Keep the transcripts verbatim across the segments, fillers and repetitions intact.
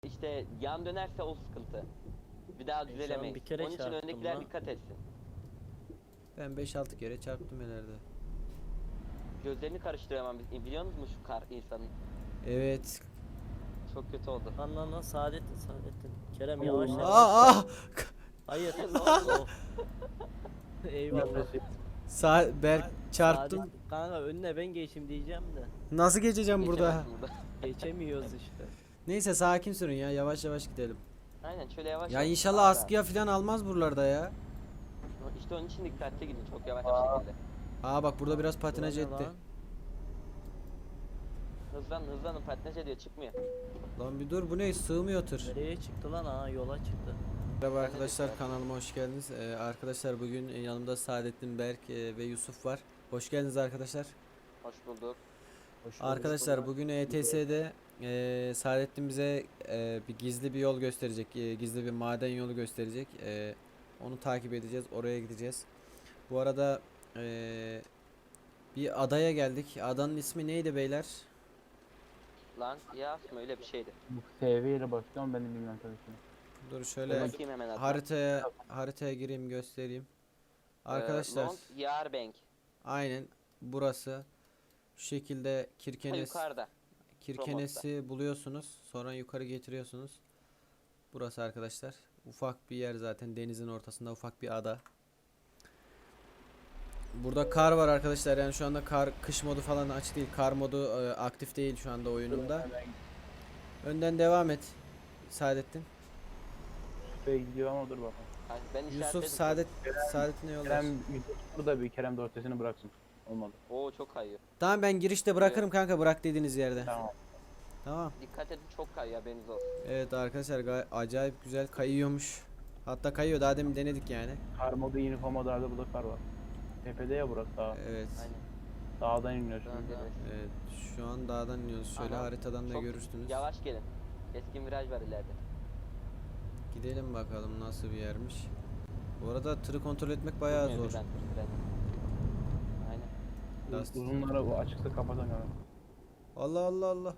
İşte yan dönerse o sıkıntı. Bir daha düzelemeyiz. bir kere Onun için çarptım öndekiler lan. dikkat etsin. Ben beş altı kere çarptım ileride. Gözlerini karıştırıyor hemen. Biliyor musunuz şu kar insanın? Evet. Çok kötü oldu. Lan lan lan Saadettin Saadettin. Kerem yavaş yavaş. Aa, aa. Hayır. Ne oldu? Oh. Eyvallah. Sa Berk çarptım. Saadettin, kanka önüne ben geçeyim diyeceğim de. Nasıl geçeceğim burada? Geçemezsin burada. Geçemiyoruz işte. Neyse sakin sürün ya, yavaş yavaş gidelim. Aynen şöyle yavaş Ya yavaş. inşallah Aa, askıya falan almaz buralarda ya. İşte onun için dikkatli gidin. Çok yavaş bir şekilde. Aa bak burada biraz patinaj Ulan ne etti. lan? Hızlanın hızlanın, patinaj ediyor, çıkmıyor. Lan bir dur, bu ne, sığmıyor tır. Nereye çıktı lan? Aa yola çıktı. Merhaba arkadaşlar, kanalıma hoş geldiniz. Ee, arkadaşlar bugün yanımda Saadettin, Berk e, ve Yusuf var. Hoş geldiniz arkadaşlar. Hoş bulduk. Hoş bulduk. Arkadaşlar bugün E T S'de e, Saadettin bize e, bir gizli bir yol gösterecek. E, gizli bir maden yolu gösterecek. E, onu takip edeceğiz. Oraya gideceğiz. Bu arada e, bir adaya geldik. Adanın ismi neydi beyler? Lan ya mı öyle bir şeydi. Bu seviyeyle başlıyorum ben de bilmem tabii ki. Dur Dur şöyle bakayım hemen adına. haritaya haritaya gireyim, göstereyim. Arkadaşlar Ee, Lond Yarbank. aynen burası. Şu şekilde Ha, Kirkenes yukarıda. Kirkenes'i buluyorsunuz. Sonra yukarı getiriyorsunuz. Burası arkadaşlar. Ufak bir yer zaten. Denizin ortasında ufak bir ada. Burada kar var arkadaşlar. Yani şu anda kar, kış modu falan açık değil. Kar modu e, aktif değil şu anda oyunumda. Önden devam et. Saadettin. Şuraya gidiyor ama dur bakalım. Ha, ben Yusuf işaretledim. Saadet Saadettin'e yollar. Kerem burada bir Kerem de ortasını bıraksın. Olmadı. Oo çok kayıyor. Tamam, ben girişte bırakırım kanka, bırak dediğiniz yerde. Tamam. Tamam. Dikkat edin, çok kayıyor, haberiniz olsun. Evet arkadaşlar, gay- acayip güzel kayıyormuş. Hatta kayıyor, daha demin denedik yani. Kar modu yeni modlarda burada kar var. Tepede ya burası dağ. Evet. Aynen. Dağdan iniyor Daha şimdi. deniz. Evet, şu an dağdan iniyoruz. Şöyle Aha, haritadan da çok görürsünüz. Yavaş gelin. Keskin viraj var ileride. Gidelim bakalım nasıl bir yermiş. Bu arada tırı kontrol etmek bayağı Durmuyor zor. birden, birden. Aynen. Lastik. Uzunları o açıkta kapatamıyorum. Allah Allah Allah.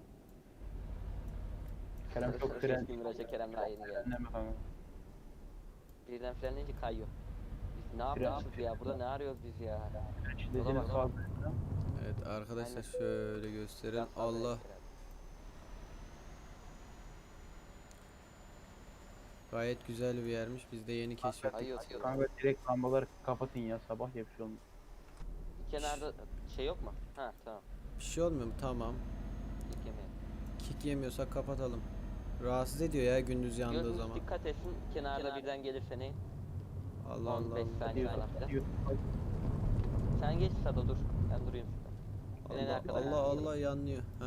Kerem çok fren. Keskin viraja Kerem daha yeni geldi. Frenleme kanka. Birden frenleyince kayıyor. Biz ne yapıyoruz ya? Burada ne arıyoruz biz ya? Şiddetini bak. fazla. Evet arkadaşlar, Aynen. şöyle gösterelim. Biraz fazla Allah. yapıyor herhalde. Gayet güzel bir yermiş. Biz de yeni keşfettik. Kayıyor. Kanka direkt lambaları kapatın ya sabah ya bir şey olmuyor. Kenarda şey yok mu? Ha tamam. Bir şey olmuyor mu? Tamam. İlk yemeğe. Kick yemiyorsak kapatalım. Rahatsız ediyor ya gündüz yandığı Gözünüz zaman. dikkat etsin. Kenarda birden gelirse ne? Allah Allah on beş Allah. saniye falan filan. Sen geç Sado, dur. Ben durayım şurada. Ben en Allah arkadan Allah, gelirim. Allah yanlıyor. Heh.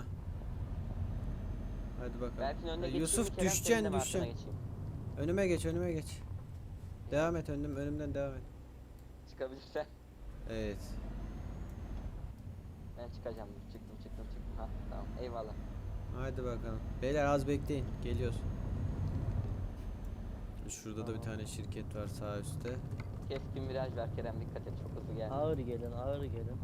Hadi bakalım. Berk'in önüne Ha, geçeyim Yusuf mi, Kerem düşeceksin senin de mi arkana düşeceksin. geçeyim? Önüme geç, önüme geç. Devam et, önüm önümden devam et. Çıkabilirsen. Evet. Ben çıkacağım. Çıktım çıktım çıktım. Ha tamam, eyvallah. Hadi bakalım. Beyler az bekleyin. Geliyoruz. Şurada da bir tane şirket var sağ üstte. Keskin viraj ver Kerem, dikkat et, çok hızlı gelme. Ağır gelin ağır gelin.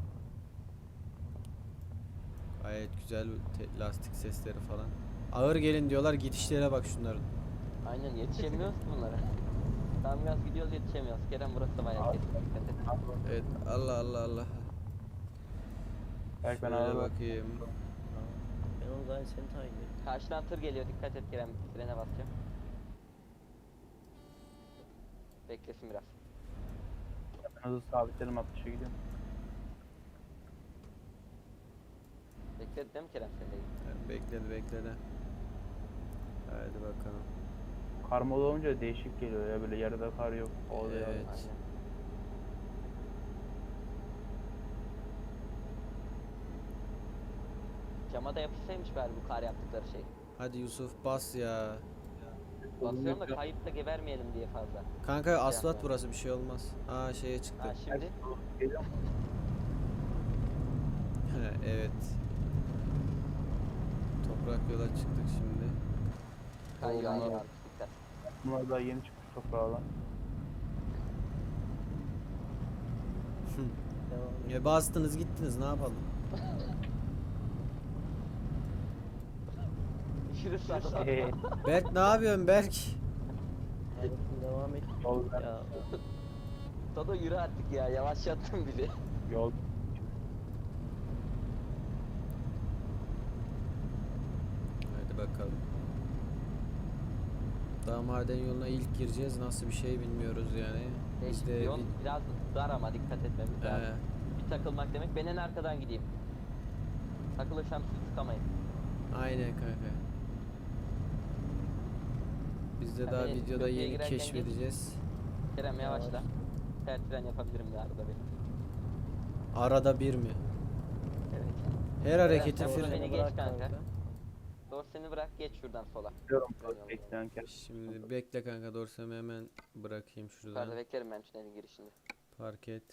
Gayet güzel te- lastik sesleri falan. Ağır gelin diyorlar, gidişlere bak şunların. Aynen, yetişemiyoruz ki bunlara. Tam gaz gidiyoruz, yetişemiyoruz. Kerem burası da bayağı keskin, dikkat et. Evet, Allah Allah Allah. Belki ben Şöyle ağır bak. bakayım. Ben onu gayet seni takip ediyorum. Karşıdan tır geliyor, dikkat et Kerem, frene basacağım. Beklesin biraz. Ben hızlı sabitlerim altmışa gidiyorum. Bekledi değil mi Kerem sen de? Evet, bekledi bekledi. Hadi bakalım. Kar modu olunca değişik geliyor ya böyle yerde kar yok. Oluyor. Evet. Aynen. Cama da yapışsaymış bari bu kar yaptıkları şey. Hadi Yusuf bas ya. Basıyorum da kayıp da gebermeyelim diye fazla. Kanka asfalt yapma. burası, bir şey olmaz. Aa şeye çıktı. Ha şimdi Geliyor mu? Evet. Toprak yola çıktık şimdi. kayıyor Oğlum, aynen Allah. abi, dikkat. Bunlar daha yeni çıkmış toprağa lan. Devam et. Ya bastınız gittiniz, ne yapalım? Görüşürüz sana. Eee, Berk ne yapıyorsun Berk? Hayatım devam et. yol ver. Ya Sado yürü artık ya, yavaşlattın bizi. Yol. Hadi bakalım. Daha maden yoluna ilk gireceğiz. Nasıl bir şey bilmiyoruz yani. Biz Değişik de bir yol, bir- biraz dar ama dikkat etmemiz lazım. Ee, Bir takılmak demek, ben en arkadan gideyim. Takılırsam siz tıkamayın. aynen kanka. Biz de Ya daha beni videoda köprüye yeni girerken keşfedeceğiz. Kerem yavaşla. Yavaş. Ter tren yapabilirim de arada bir. Arada bir mi? Evet. Her hareketi sen burada fren. beni bırak geç kanka. Dorseni bırak, geç şuradan sola. Diyorum. Tren yoluna. Bekleyen kez. Şimdi bekle kanka, dorsemi hemen bırakayım Yukarıda şuradan. beklerim ben tünelin girişinde. Park et.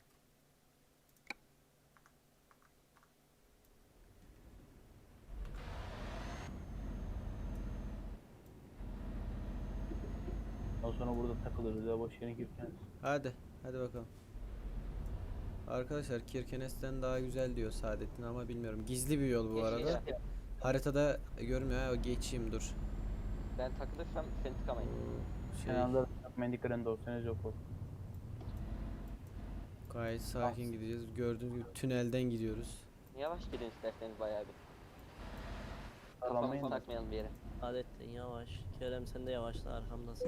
Ondan sonra burada takılırız ya boş yere girken. Hadi. Hadi bakalım. Arkadaşlar Kirkenes'ten daha güzel diyor Saadettin ama bilmiyorum. Gizli bir yol bu Geç, arada. geç. Haritada görmüyor. Ha, geçeyim dur. Ben takılırsam seni tıkamayın. Şey, Kenarda mendiklerin dorseniz yok o. gayet sakin gideceğiz. Gördüğünüz gibi tünelden gidiyoruz. Yavaş gidin isterseniz bayağı bir. Sağlamayın Kafamızı da. takmayalım bir yere. Adettin yavaş. Kerem sen de yavaşla arkamdasın.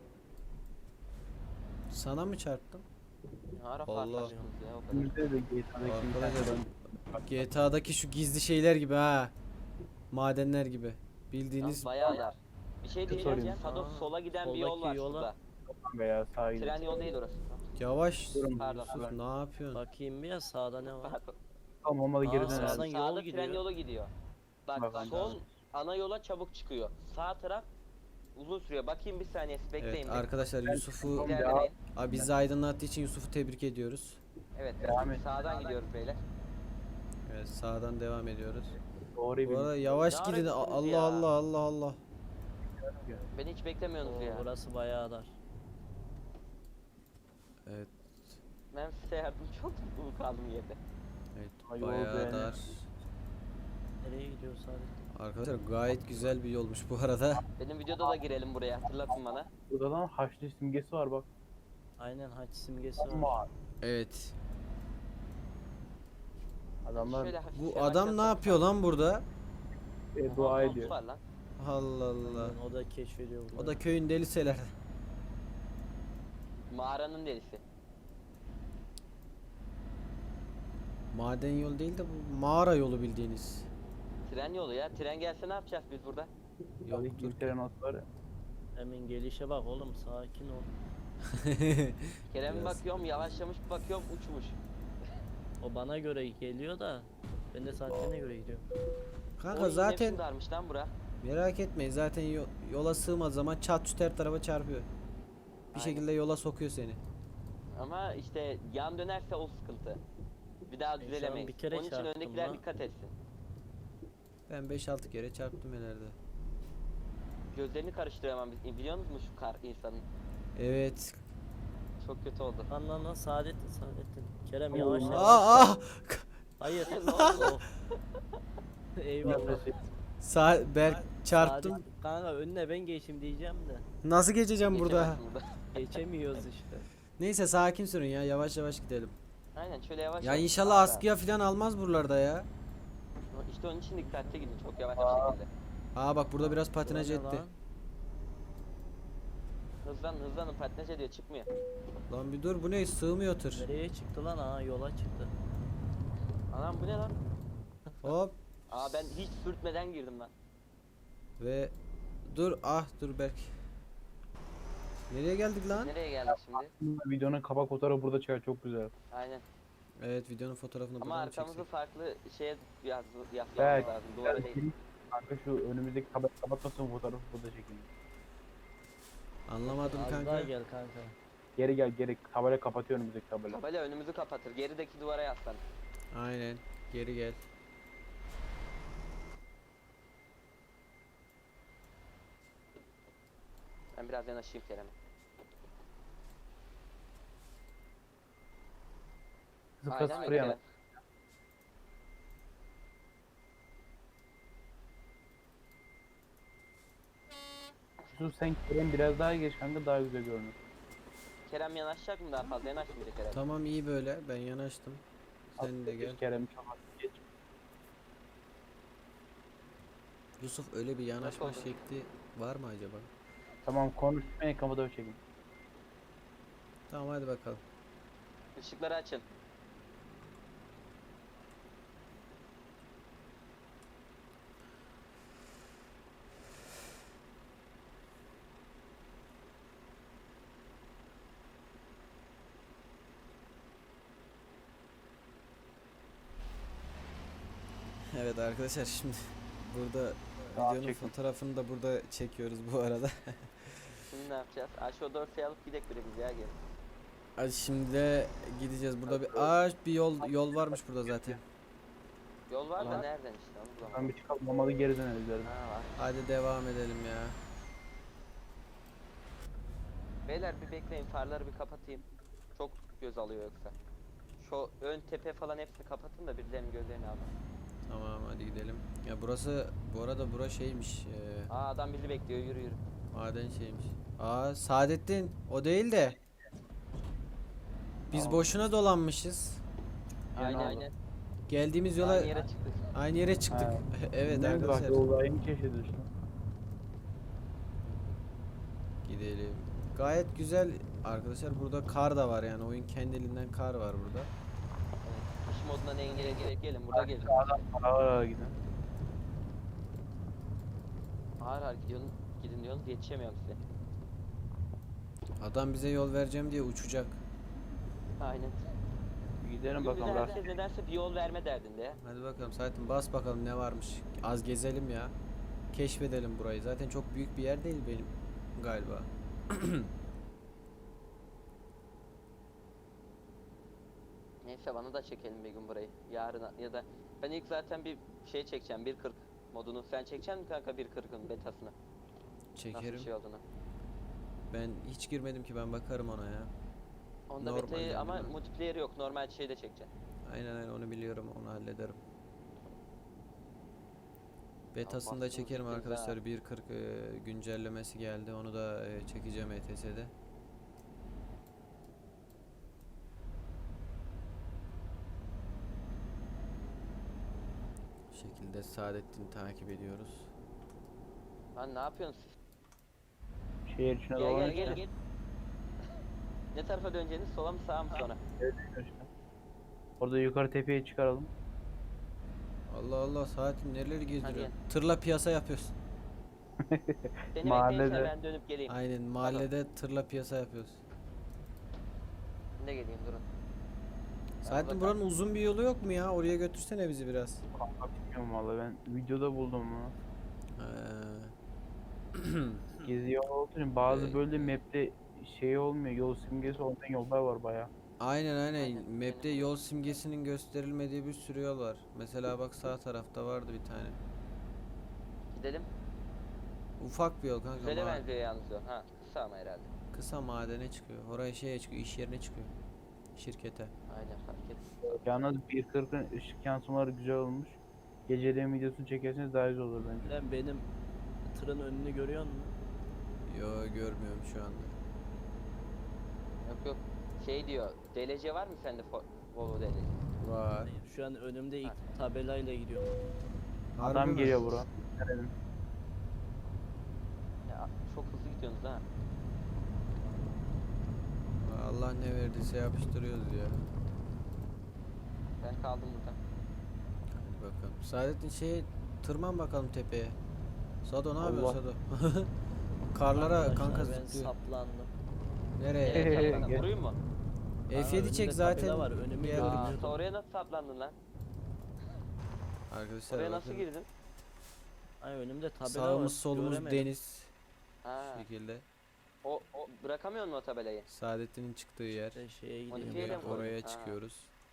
Sana mı çarptım? Ne ara Allah. farklaştınız ya o kadar. Bizde de G T A'daki bir Arkadaşlar tane G T A'daki şu gizli şeyler gibi ha. Madenler gibi. Bildiğiniz Yalnız bayağı dar. Bir şey diyeceğim sorayım. ya. Sado Aa, sola giden bir yol soldaki var yola- şurada. veya sağa gidiyor. Tren yol değil orası. yavaş. Durun. Pardon. Yusuf ne yapıyorsun? Bakayım bir ya sağda ne var? Pardon. Tamam olmadı Aa, geri sağdan dönelim. yol Sağda gidiyor. tren yolu gidiyor. Bak Bak, sol ana yola çabuk çıkıyor. Sağ taraf uzun sürüyor. Bakayım bir saniye siz bekleyin. Evet bir. arkadaşlar Yusuf'u İlerlemeyin. abi bizi aydınlattığı için Yusuf'u tebrik ediyoruz. Evet, Devam et. sağdan gidiyoruz beyler. Evet sağdan devam ediyoruz. Doğru Bu arada bir. yavaş Ne gidin. arıyorsunuz Allah ya? Allah Allah Allah. Beni hiç beklemiyorsunuz Oo, ya. burası bayağı dar. Evet, Ben size yardım çok mutlu kaldım yerde. evet Ay, yol bayağı beğendim. dar. Nereye gidiyoruz Adettin? Arkadaşlar gayet güzel bir yolmuş bu arada. Benim videoda da girelim buraya, hatırlatın bana. Burada lan haçlı simgesi var bak. Aynen haç simgesi var. Ama Evet. adamlar Şöyle hafif Bu yavaş adam ne yapsam- yapıyor lan burada? e, Aha, dua bot ediyor. var lan. Allah Allah. Aynen, o da keşfediyor burada. O da köyün deliseler. Mağaranın delisi. Maden yolu değil de bu mağara yolu bildiğiniz. Tren yolu ya. Tren gelse ne yapacağız biz burada? Yok Yok dur. bir tren not var ya. Hemen gelişe bak oğlum sakin ol. Kerem'e Biraz. bakıyorum, yavaşlamış, bakıyorum uçmuş. O bana göre geliyor da ben de saatlerine göre gidiyorum. Kanka Oy, zaten ne darmış lan bura. merak etmeyin zaten yo- yola sığmaz zaman çat çut her tarafa çarpıyor. Bir Aynen. şekilde yola sokuyor seni. Ama işte yan dönerse o sıkıntı. Bir daha şu an düzelemeyiz. bir kere Onun için çarptım öndekiler lan. dikkat etsin. Ben beş altı kere çarptım herhalde. Gözlerini karıştıramam. Biliyor musun şu kar insanın? Evet. Çok kötü oldu. Lan lan lan Saadettin Saadettin. Kerem Oo. yavaş yavaş. Aa, aa! Hayır. Ne oldu? Oh. Eyvallah. Nefesi. Sa Berk çarptım. Saadettin, kanka önüne ben geçeyim diyeceğim de. Nasıl geçeceğim burada? Geçemezsin burada. Geçemiyoruz işte. Neyse sakin sürün ya, yavaş yavaş gidelim. Aynen şöyle yavaş Ya yavaş. inşallah Aa, askıya falan almaz buralarda ya. İşte onun için dikkatli gidin çok yavaş bir şekilde. Aa bak burada biraz patinaj Ulan ne etti. lan? Hızlanın hızlanın, patinaj ediyor, çıkmıyor. Lan bir dur, bu ne, sığmıyor tır. Nereye çıktı lan? Aa yola çıktı. Anam bu ne lan? Hop Aa ben hiç sürtmeden girdim lan. ve dur, ah dur Berk. Nereye geldik lan? Nereye geldik şimdi? Videonun kapak fotoğrafı burada çıkar çok güzel. Aynen. Evet videonun fotoğrafını Ama buradan mı arkamızı çeksek? farklı şeye yaz, yapmamız Evet. lazım. Duvara değil. Kanka şu önümüzdeki tabela kapatmasın fotoğrafı burada çekin. Anlamadım Az kanka. daha gel kanka. Geri gel geri tabela kapatıyor önümüzdeki tabela. Tabela önümüzü kapatır. Gerideki duvara yaslan. Aynen. Geri gel. Ben biraz yanaşayım Kerem'e. Sıfır Aynen sıfır öyle yana. Kerem. Yusuf sen Kerem biraz daha geç kanka, daha güzel görünür. Kerem yanaşacak mı daha fazla? Yanaşmayacak herhalde. Tamam iyi böyle. Ben yanaştım. Sen de gel. Kerem çok az geç. Yusuf öyle bir yanaşma oldu? şekli var mı acaba? Tamam konuşmayın, kapıda çekin. Tamam hadi bakalım. Işıkları açın. Evet arkadaşlar şimdi burada Tamam, videonun çekin. fotoğrafını da burada çekiyoruz bu arada. Şimdi ne yapacağız? Aşağı dorsayı alıp gidelim bire biz ya gel. Hadi şimdi de gideceğiz. Burada bir aa bir yol yol varmış burada zaten. Yol var da Ulan. nereden işte onu Ben bulamadım. bir çıkalım, olmadı geri döneriz derim. Ha var. Hadi devam edelim ya. Beyler bir bekleyin, farları bir kapatayım. Çok göz alıyor yoksa. Şu ön tepe falan hepsini kapatın da birilerinin gözlerini alın. Tamam hadi gidelim. Ya burası bu arada bura şeymiş. E, Aa adam bizi bekliyor, yürü yürü. maden şeymiş. Aa Saadettin o değil de. Biz Tamam. boşuna dolanmışız. Aynen oldu? aynen. Geldiğimiz yola Aynı yere çıktık. aynı yere çıktık. Ha. Evet Ne bak, arkadaşlar. yolda aynı keşfediyor işte. Gidelim. Gayet güzel arkadaşlar. Burada kar da var yani. Oyun kendiliğinden kar var burada. Evet. Kış modundan engele gerek gelin, burada gelin. Ağır ağır gidin. Ağır ağır gidiyorsun, gidin diyorsunuz yetişemiyorum size. Adam bize yol vereceğim diye uçacak. Aynen. Gidelim Bugün bakalım. bize Rast. herkes nedense bir yol verme derdinde ya. Hadi bakalım Saadettin bas bakalım ne varmış. Az gezelim ya. Keşfedelim burayı. Zaten çok büyük bir yer değil benim galiba. Neyse bana da çekelim bir gün burayı. Yarın ya da ben ilk zaten bir şey çekeceğim bir kırk modunu. Sen çekeceksin mi kanka bir kırkın betasını? Nasıl Çekerim. bir şey olduğunu. Ben hiç girmedim ki ben bakarım ona ya. Onda Normal betayı yani ama ben. multiplayer yok. Normal şeyde çekeceksin. Aynen aynen onu biliyorum onu hallederim. Betasını da bastınız çekerim gittiniz ha. arkadaşlar. bir kırk e, güncellemesi geldi. Onu da e, çekeceğim E T S'de. Bu şekilde Saadettin'i takip ediyoruz. Lan ne yapıyorsun siz? Şehir içine Gel gel dolanıyor gel işte. gel. Ne tarafa döneceğiniz? Sola mı sağa mı sonra? işte. Orada yukarı tepeye çıkaralım. Allah Allah Saadettin nereleri gezdiriyor? gel. Tırla piyasa yapıyorsun. Seni Mahallede. bekleyince ben dönüp geleyim. Aynen mahallede tırla piyasa yapıyoruz. Ben de geleyim durun. Saadettin burada buranın uzun bir yolu yok mu ya? Oraya götürsene bizi biraz. Kanka bilmiyorum valla, ben videoda buldum bunu. Ee, Gezi yolu olduğu için bazı Evet. böyle map'te şey olmuyor, yol simgesi olmayan yollar var baya. Aynen aynen. Aynen, Map'te benim- yol simgesinin gösterilmediği bir sürü yol var. Mesela bak sağ tarafta vardı bir tane. Gidelim. Ufak bir yol kanka. Güzele ma- benziyor yalnız o. Ha kısa ama herhalde. Kısa madene çıkıyor. Oraya şeye çıkıyor, iş yerine çıkıyor. Şirkete. Aynen fark et. Yalnız bir kırkın ışık yansımaları güzel olmuş. Geceleyin videosunu çekerseniz daha güzel olur bence. Lan benim tırın önünü görüyor musun? Yo görmüyorum şu anda. Yok yok. Şey diyor. D L C var mı sende? Fo- Volvo D L C. Var. Hayır, şu an önümde ilk Ha. tabelayla gidiyorum. Harbi Adam mi? geliyor bura. Nerenin? Ya çok hızlı gidiyorsunuz ha. Allah ne verdiyse yapıştırıyoruz ya. Ben kaldım burada. Hadi bakalım. Saadettin şey tırman bakalım tepeye. Sado ne Allah. yapıyorsun Sado? Karlara Arkadaşlar, kanka ben zıplıyor. saplandım. Nereye? Evet, Ee, saplanın. gel. Vurayım mı? F Aa, yedi önümde çek tabela zaten. var, önümü Gel. görmüyorum. Aa, Bilmiyordum. oraya nasıl saplandın lan? Arkadaşlar Oraya nasıl bakın. girdin? Ay önümde tabela Sağımız var. solumuz göremedim. deniz. Ha. Şu şekilde. O, o bırakamıyor musun o tabelayı? Saadettin'in çıktığı yer. İşte şeye gidiyorum. Modifiye ya. mi Oraya, koydun? oraya Ha. çıkıyoruz.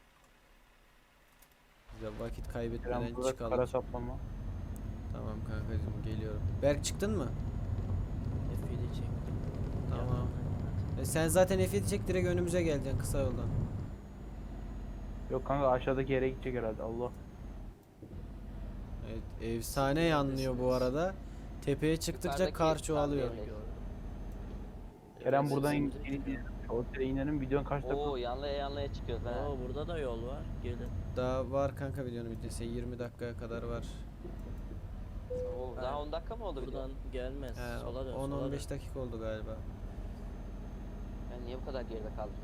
Bize vakit Kerem kaybetmeden burada çıkalım. kara saplama. Tamam kankacığım geliyorum. Berk çıktın mı? F yedi çektim. Tamam. E sen zaten F yedi çek direkt önümüze geleceksin kısa yoldan. Yok kanka, aşağıdaki yere gidecek herhalde. Allah. Evet efsane yanlıyor bu arada. Tepeye çıktıkça Yukarıdaki kar çoğalıyor. sandalye. Kerem Evet, buradan şimdi- in, otele inelim. Videonun kaç dakika? Oo yanlaya yanlaya çıkıyoruz ha. Oo, burada da yol var. Gelin. Daha var kanka videonun bitmesi. yirmi dakikaya kadar var. Oo, daha on dakika mı oldu video? Buradan gelmez. He, sola dön. on sola on beş dön. dakika oldu galiba. Ben niye bu kadar geride kaldım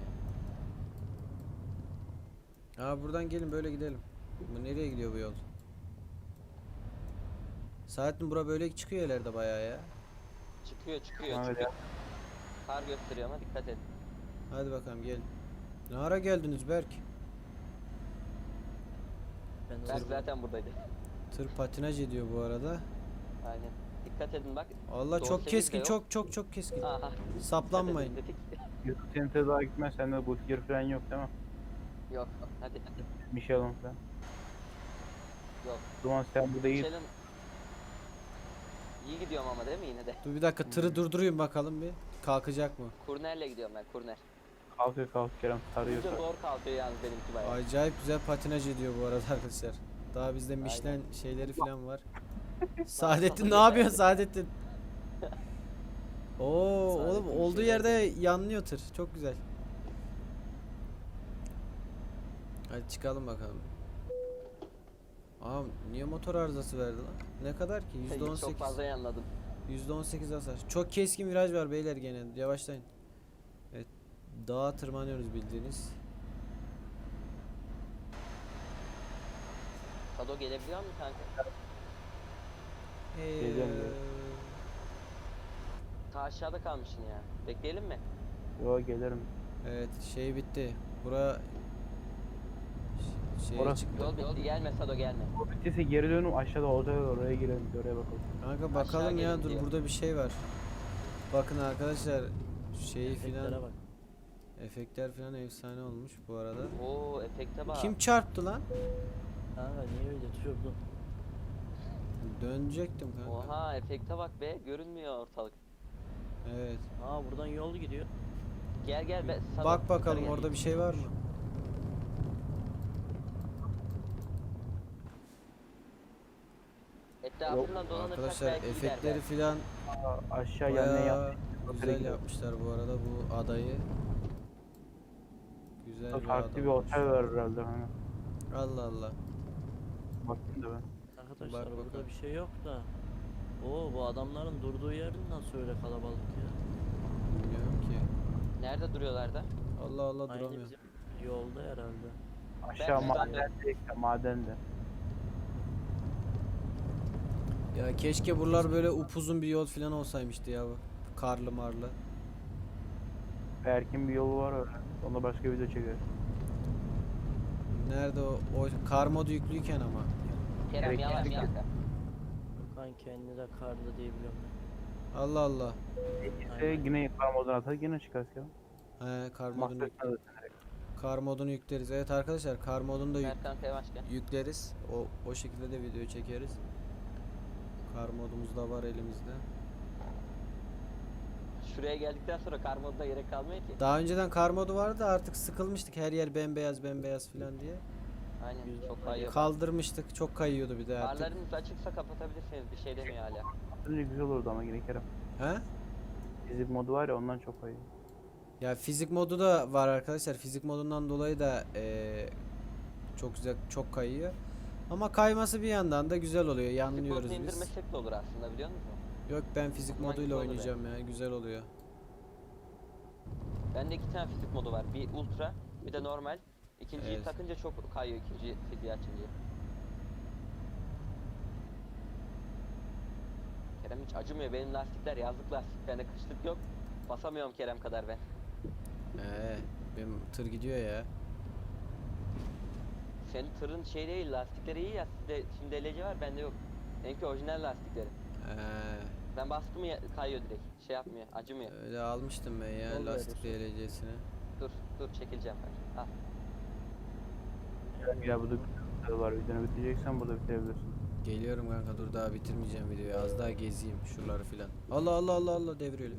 ya? Aa buradan gelin böyle gidelim. Bu nereye gidiyor bu yol? Saatin bura böyle çıkıyor ileride bayağı ya. Çıkıyor çıkıyor Tamam, çıkıyor. Kar gösteriyor ama dikkat edin. Hadi bakalım gelin. Ne ara geldiniz Berk? Ben Berk hızlı- zaten buradaydı. Tır patinaj ediyor bu arada. Aynen. Dikkat edin bak. Allah Doğru çok sekiz de keskin, yok. çok çok çok keskin. Aha. dikkat Saplanmayın. edin dedik. YouTube Center daha gitmez. Sende bu tier falan yok değil mi? Yok. Hadi hadi. Michelin falan. Yok. O zaman sen burada iyi. Michelin. İyi gidiyorum ama değil mi yine de? Dur bir dakika tırı durdurayım bakalım bir. Kalkacak mı? Kurnerle gidiyorum ben kurner. Kalkıyor kalk Kerem sarıyorsa. Çok zor kalkıyor yalnız benimki bayağı. Acayip güzel patinaj ediyor bu arada arkadaşlar. Daha bizde Michelin şeyleri falan var. Saadettin ne yapıyorsun Saadettin? Oo oğlum Saadettin bir olduğu şey yerde yanlıyor tır. Çok güzel. Hadi çıkalım bakalım. Aa niye motor arızası verdi lan? Ne kadar ki? yüzde on Çok sekiz. fazla yanladım. yüzde on sekiz hasar. Çok keskin viraj var beyler gene. Yavaşlayın. Evet. Dağa tırmanıyoruz bildiğiniz. Sado gelebiliyor mu kanka? Geliyorum, Ee, Ta aşağıda kalmışsın ya. Bekleyelim mi? Yo gelirim. evet şey bitti. Bura ş- şeye Orası- çıktı. Yol bitti. Gelme Sado gelme. O bittiyse geri dönüp aşağıda olacak oraya girelim. Oraya bakalım. Kanka bakalım ya gelin dur diyor. burada bir şey var. Bakın arkadaşlar şeyi Efektlere filan bak. efektler filan efsane olmuş bu arada. Oo efekte bak. Kim çarptı lan? Kanka niye öyle düşürdün? Dönecektim kanka. Oha efekte bak be. Görünmüyor ortalık. Evet. Aa buradan yol gidiyor. Gel gel be. Sado, Bak bakalım yukarı gel. orada bir şey var mı? Etrafından dolanırsak Arkadaşlar belki gider efektleri belki. filan Aa, aşağı yanına bayağı yap. güzel yapmışlar bu arada bu adayı. Güzel bir Farklı ada bir olmuş. otel var herhalde. Hani. Allah Allah. Baktım da ben. Arkadaşlar Bak burada bakalım. bir şey yok da. Oo bu adamların durduğu yer nasıl öyle kalabalık ya? Bilmiyorum ki. Nerede duruyorlar da? Allah Allah Aynı duramıyor. bizim yolda herhalde. Aşağı Ben- madende işte madende. Ya keşke buralar böyle upuzun bir yol filan olsaymıştı ya bu. Karlı marlı. Erkin bir yolu var öyle. Onda başka video çekeriz. Nerede o? O kar modu yüklüyken ama. Kerem Evet, yavaş evet. kanka. Okan kendi de karlı diye biliyorum ben. Allah Allah. İşte yine yukarı moduna atar yine çıkarız ya. He kar modunu, Mahvetmez. kar modunu yükleriz. Evet arkadaşlar kar modunu da yük- Mert kanka yavaş gel. yükleriz. O o şekilde de video çekeriz. Kar modumuz da var elimizde. Şuraya geldikten sonra kar moduna gerek kalmıyor ki. Daha önceden kar modu vardı da artık sıkılmıştık her yer bembeyaz bembeyaz filan diye. Aynen Yüzde çok on kayıyor. Kaldırmıştık. Çok kayıyordu bir de artık. Farlarınız açıksa kapatabilirsiniz. Bir şey demiyor hala. Önce güzel olurdu ama yine Kerem. He? Fizik modu var ya ondan çok iyi. Ya fizik modu da var arkadaşlar. Fizik modundan dolayı da eee, çok güzel çok kayıyor. Ama kayması bir yandan da güzel oluyor. Fizik Yanlıyoruz modunu biz. indirmesek de olur aslında biliyor musun? Yok ben fizik Hoşuma moduyla gitti olur oynayacağım ya. Güzel oluyor. Bende iki tane fizik modu var. Bir ultra, bir de normal. İkinciyi Evet. takınca çok kayıyor ikinci fiziği açınca. Kerem hiç acımıyor. Benim lastikler yazlık lastik. Bende kışlık yok. Basamıyorum Kerem kadar ben. Ee, benim tır gidiyor ya. Senin tırın şey değil, lastikleri iyi ya. Sizde şimdi L C var, bende yok. Benimki orijinal lastikleri. Ee, Ben bastım ya kayıyor direkt. Şey yapmıyor, acımıyor. öyle almıştım ben ya Yol lastik veriyorsun. D L C'sini. Dur, dur çekileceğim ben. Al. Ya burada bir video var. Videonu bitireceksen burada bitirebilirsin. Geliyorum kanka dur daha bitirmeyeceğim videoyu. Az daha gezeyim şuraları filan. Allah Allah Allah Allah devriyor.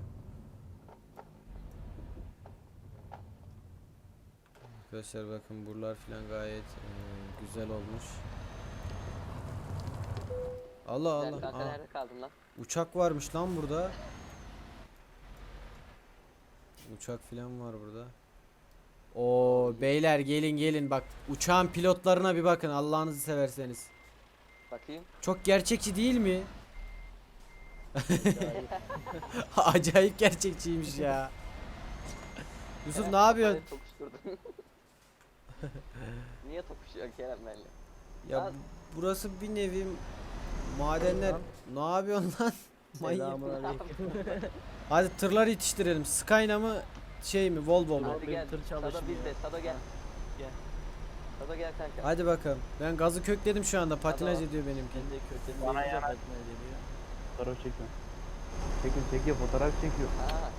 Arkadaşlar bakın buralar filan gayet eee, güzel olmuş. Allah Sen Allah. kanka Aa, nerede kaldın lan? uçak varmış lan burada. Uçak filan var burada. Oo beyler gelin gelin bak uçağın pilotlarına bir bakın Allah'ınızı severseniz. Bakayım. Çok gerçekçi değil mi? Acayip. Acayip gerçekçiymiş ya. Yusuf ne yapıyorsun? Kafayı tokuşturdun. Niye tokuşuyorsun Kerem benimle? Ya Lan. burası bir nevi madenler. Lan. Ne yapıyorsun lan? Manyak. Selamünaleyküm. Hadi tırları yetiştirelim. Skyna mı şey mi Volvo mu? Hadi benim gel. tır Sado çalışmıyor. bizde. Sado gel. Gel. Sado gel kanka. Hadi bakalım. Ben gazı kökledim şu anda. Patinaj Hadi. ediyor benimki. Ben de kökten Bana deyince yana- patine geliyor. Fotoğraf çekiyor. Çekiyor çekiyor fotoğraf çekiyor. Ha.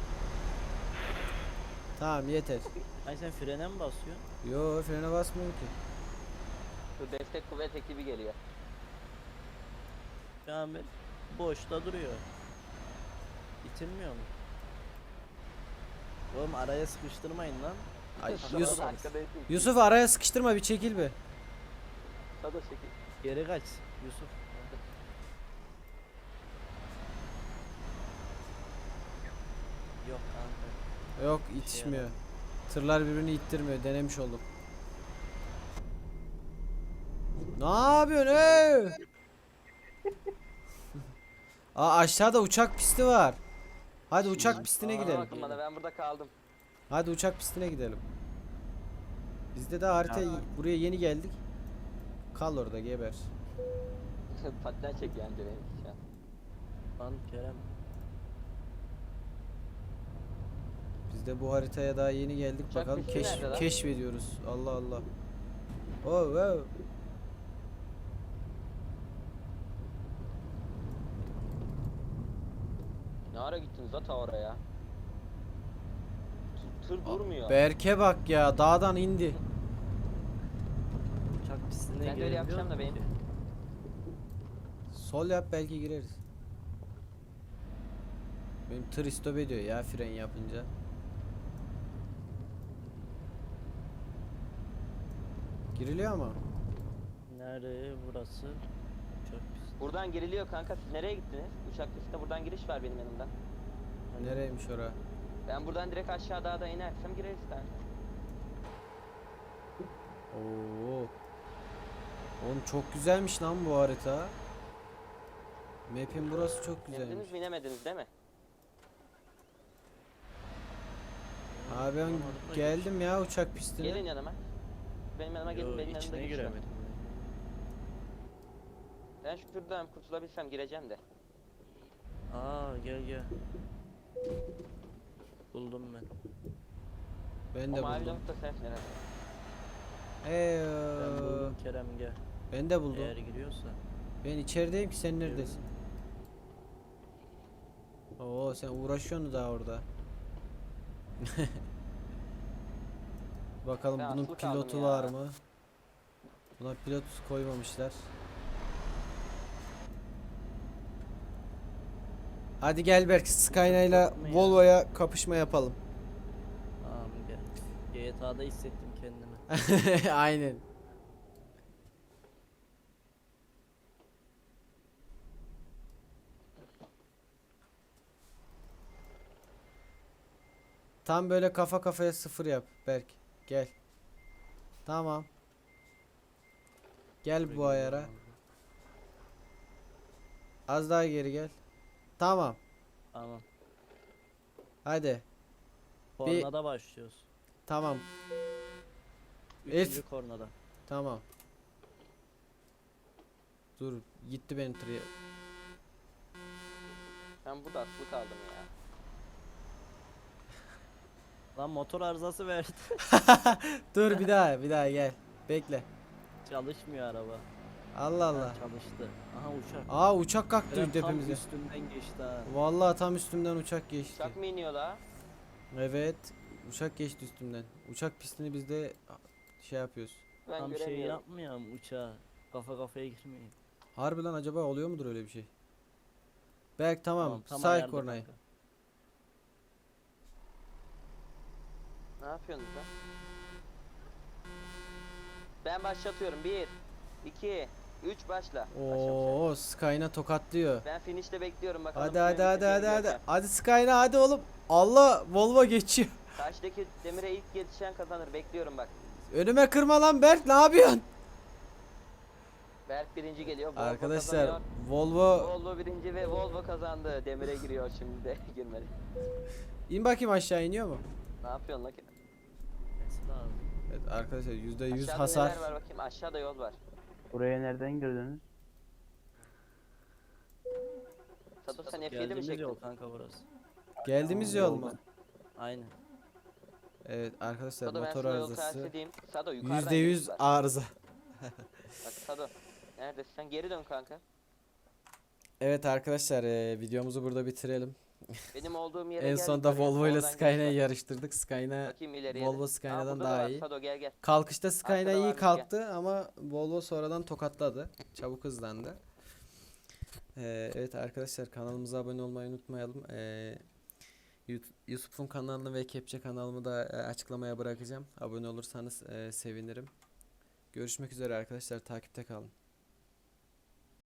Tamam yeter. Ay sen frene mi basıyorsun? Yo frene basmıyorum ki. Şu destek kuvvet ekibi geliyor. Kamil boşta duruyor. İtilmiyor mu? Oğlum araya sıkıştırmayın lan. Ay, Sado Yusuf, Arkadayım. Yusuf araya sıkıştırma bir çekil be. Sado çekil. Geri kaç Yusuf. Yok kanka. Yok itişmiyor. Tırlar birbirini ittirmiyor. Denemiş oldum. Ne yapıyorsun ey? Aa aşağıda uçak pisti var. Hadi uçak pistine Aa, gidelim. Bakın bana ben burada kaldım. Hadi uçak pistine gidelim. Bizde de harita Ya. buraya yeni geldik. Kal orada geber. Patten çek yani benimki şu an. Lan Kerem. Biz de bu haritaya daha yeni geldik. Uçak Bakalım pisti keşf nerede lan? keşfediyoruz. Allah Allah. Oh wow. Ne ara gittiniz ata oraya? Tır, tır durmuyor. Berke bak ya dağdan indi. Uçak pistine Ben de öyle girebiliyor yapacağım da musun benim- ki? Sol yap belki gireriz. Benim tır istop ediyor ya fren yapınca. Giriliyor ama. Nerede burası? Uçak pisti. Buradan giriliyor kanka. Siz nereye gittiniz? Uçak pistine buradan giriş var benim yanımdan. Hani Nereymiş ora? Ben buradan direkt aşağı dağda inersem gireriz kanka. Oo. Oğlum çok güzelmiş lan bu harita. Map'in burası çok güzelmiş. İndiniz mi inemediniz değil mi? Abi ben Orada geldim ya uçak pistine. Gelin yanıma. Benim yanıma gelin, Yo, benim yanımda içine giriş var. giremedim. Ben şuradan kurtulabilsem gireceğim de. Aa gel gel. Buldum ben. Ben O de mavi buldum. nokta sensin herhalde. Ben Eee. buldum Kerem gel. Ben de buldum. Eğer giriyorsa. Ben içerideyim ki sen neredesin? Oo sen uğraşıyorsun daha orada. Bakalım Ben bunun asılı kaldım pilotu ya. var mı? Buna pilot koymamışlar. Hadi gel Berk Skyline ile Yok mu ya? Volvo'ya kapışma yapalım. Tamam gel. G T A'da hissettim kendimi. Aynen. Tam böyle kafa kafaya sıfır yap Berk. Gel. Tamam. Gel bu ayara. Az daha geri gel. Tamam. Tamam. Hadi. Kornada başlıyoruz. Tamam. Üçüncü Elf. kornada. Tamam. Dur. Gitti benim tır. Ben burada asılı kaldım ya. Lan motor arızası verdi. Dur bir daha. Bir daha gel. Bekle. Çalışmıyor araba. Allah Ha, Allah. çalıştı. Aha uçak. Aa uçak kalktı Kerem tam tepemize. üstünden geçti ha. Vallahi tam üstümden uçak geçti. Uçak mı iniyor la? Evet. Uçak geçti üstümden. Uçak pistini biz de şey yapıyoruz. Ben Tam şey göremiyorum. yapmıyor mu uçağa? Kafa kafaya girmeyin. Harbi lan acaba oluyor mudur öyle bir şey? Berk tamam. tam Say ayarda kornayı. kanka. Ne yapıyorsunuz lan? Ben başlatıyorum. Bir, iki, üç başla. Başlamış. Oo, Skyna tokatlıyor. Ben finish'te bekliyorum bakalım. Hadi kimin hadi hadi biteceğini hadi hadi. göreceğim. Hadi Skyna hadi oğlum. Allah, Volvo geçiyor. Karşıdaki demire ilk yetişen kazanır. Bekliyorum bak. Önüme kırma lan Berk, ne yapıyorsun? Berk birinci geliyor. Volvo Arkadaşlar kazanıyor. Volvo Volvo birinci ve Volvo kazandı. Demire giriyor şimdi de girmedi. in bakayım, aşağı iniyor mu? Ne yapıyorsun lan? Nesi lazım? Evet arkadaşlar yüzde yüz Aşağıda hasar. neler var bakayım. Aşağıda yol var. Buraya nereden girdiniz? Sado sen F yedi mi Geldiğimiz çektin? yol kanka burası. Geldiğimiz yol mu? Aynen. Evet arkadaşlar Sado ben motor sana yol tarif arızası. edeyim. Sado yukarıdan yüzde yüz geçtiler. arıza. Bak Sado. Neredesin? Sen geri dön kanka. Evet arkadaşlar e, videomuzu burada bitirelim. Benim olduğum yere En gel. sonunda yukarıya. Volvo ile Oradan Skyna'yı geç bak. yarıştırdık. Skyna Bakayım ileriye. Volvo de. Aa, Skyna'dan burada da daha var. iyi. Sado gel gel. Kalkışta Skyna Arkada iyi varmış, kalktı ama Volvo sonradan tokatladı. Çabuk hızlandı. Ee, evet arkadaşlar kanalımıza abone olmayı unutmayalım. Ee, Yut- Yusuf'un kanalını ve Kepçe kanalımı da e, açıklamaya bırakacağım. Abone olursanız e, sevinirim. Görüşmek üzere arkadaşlar, takipte kalın.